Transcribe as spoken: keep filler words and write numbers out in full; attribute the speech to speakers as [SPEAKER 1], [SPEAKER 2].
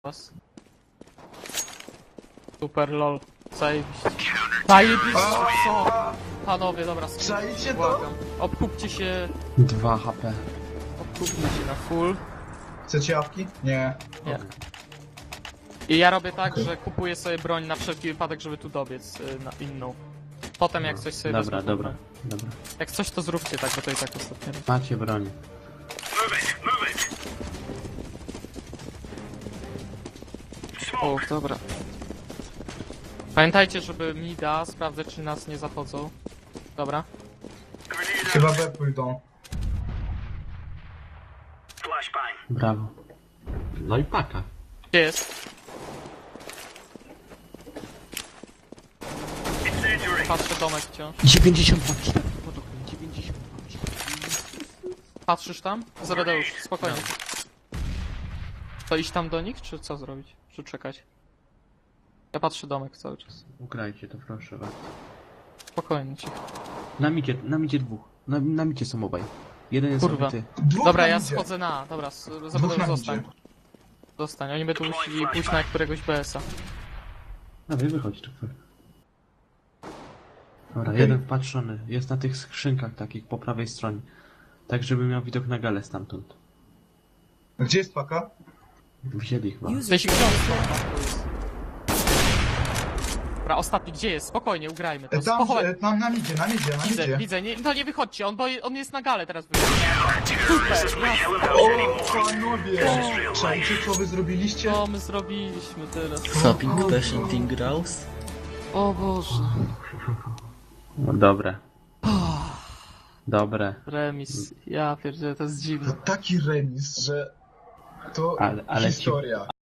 [SPEAKER 1] Was. Super lol. Zajebiście. Zajebiście, co? Panowie, dobra,
[SPEAKER 2] Czajcie to?
[SPEAKER 1] błagam. Obkupcie się,
[SPEAKER 3] dwa H P.
[SPEAKER 1] obkupcie się na full.
[SPEAKER 2] Chcecie jawki? Nie.
[SPEAKER 1] Nie. I ja robię tak, że kupuję sobie broń na wszelki wypadek, żeby tu dobiec y, na inną. Potem jak coś sobie
[SPEAKER 3] Dobra,
[SPEAKER 1] wezmę, to
[SPEAKER 3] dobra,
[SPEAKER 1] broń.
[SPEAKER 3] dobra.
[SPEAKER 1] Jak coś to zróbcie tak, bo to i tak ostatnio robię.
[SPEAKER 3] Macie broń.
[SPEAKER 1] O, dobra. Pamiętajcie, żeby mida sprawdzać, czy nas nie zachodzą. Dobra.
[SPEAKER 2] Chyba B pójdą.
[SPEAKER 3] Brawo.
[SPEAKER 4] No i paka.
[SPEAKER 1] Gdzie jest? Patrzę domek wciąż.
[SPEAKER 3] dziewięćdziesiąt dwa cztery pod oknem, dziewięćdziesiąt dwa cztery.
[SPEAKER 1] Patrzysz tam? Zredeusz, spokojnie. To iść tam do nich, czy co zrobić? Czy czekać? Ja patrzę domek cały czas.
[SPEAKER 3] Ugrajcie to, proszę was.
[SPEAKER 1] Spokojnie, cicho.
[SPEAKER 3] Na micie, na micie dwóch. Na, na micie są obaj. Jeden jest
[SPEAKER 1] Kurwa.
[SPEAKER 3] obity.
[SPEAKER 2] Dwóch
[SPEAKER 1] Dobra,
[SPEAKER 2] nam
[SPEAKER 1] ja
[SPEAKER 2] idzie.
[SPEAKER 1] schodzę na A. Dobra, s-
[SPEAKER 2] Dwóch
[SPEAKER 1] Zredeusz,
[SPEAKER 2] nam
[SPEAKER 1] zostań.
[SPEAKER 2] idzie.
[SPEAKER 1] Zostań, oni będą musieli pójść na któregoś B S a.
[SPEAKER 3] No wy wychodź tu. Dobra,
[SPEAKER 2] Okej.
[SPEAKER 3] jeden wpatrzony. Jest na tych skrzynkach takich po prawej stronie. Tak, żeby miał widok na galę stamtąd.
[SPEAKER 2] Gdzie jest paka?
[SPEAKER 3] Wzięli chyba.
[SPEAKER 1] Weź książkę. Dobra, ostatni, gdzie jest? Spokojnie, ugrajmy to.
[SPEAKER 2] E, tam,
[SPEAKER 1] Spokojnie.
[SPEAKER 2] e, tam nam idzie, nam idzie, nam
[SPEAKER 1] Widzę,
[SPEAKER 2] idzie.
[SPEAKER 1] widzę, nie, to nie wychodźcie, on, bo on jest na gale teraz. Super,
[SPEAKER 2] O, panowie! Czajcie, co wy zrobiliście?
[SPEAKER 1] co my zrobiliśmy teraz?
[SPEAKER 5] Stopping Patient Grouse.
[SPEAKER 1] O Boże.
[SPEAKER 3] No, dobre. Dobre.
[SPEAKER 1] Remis, ja pierdzielę, to jest dziwne.
[SPEAKER 2] To taki remis, że to
[SPEAKER 3] Ale- ale ci-
[SPEAKER 2] historia.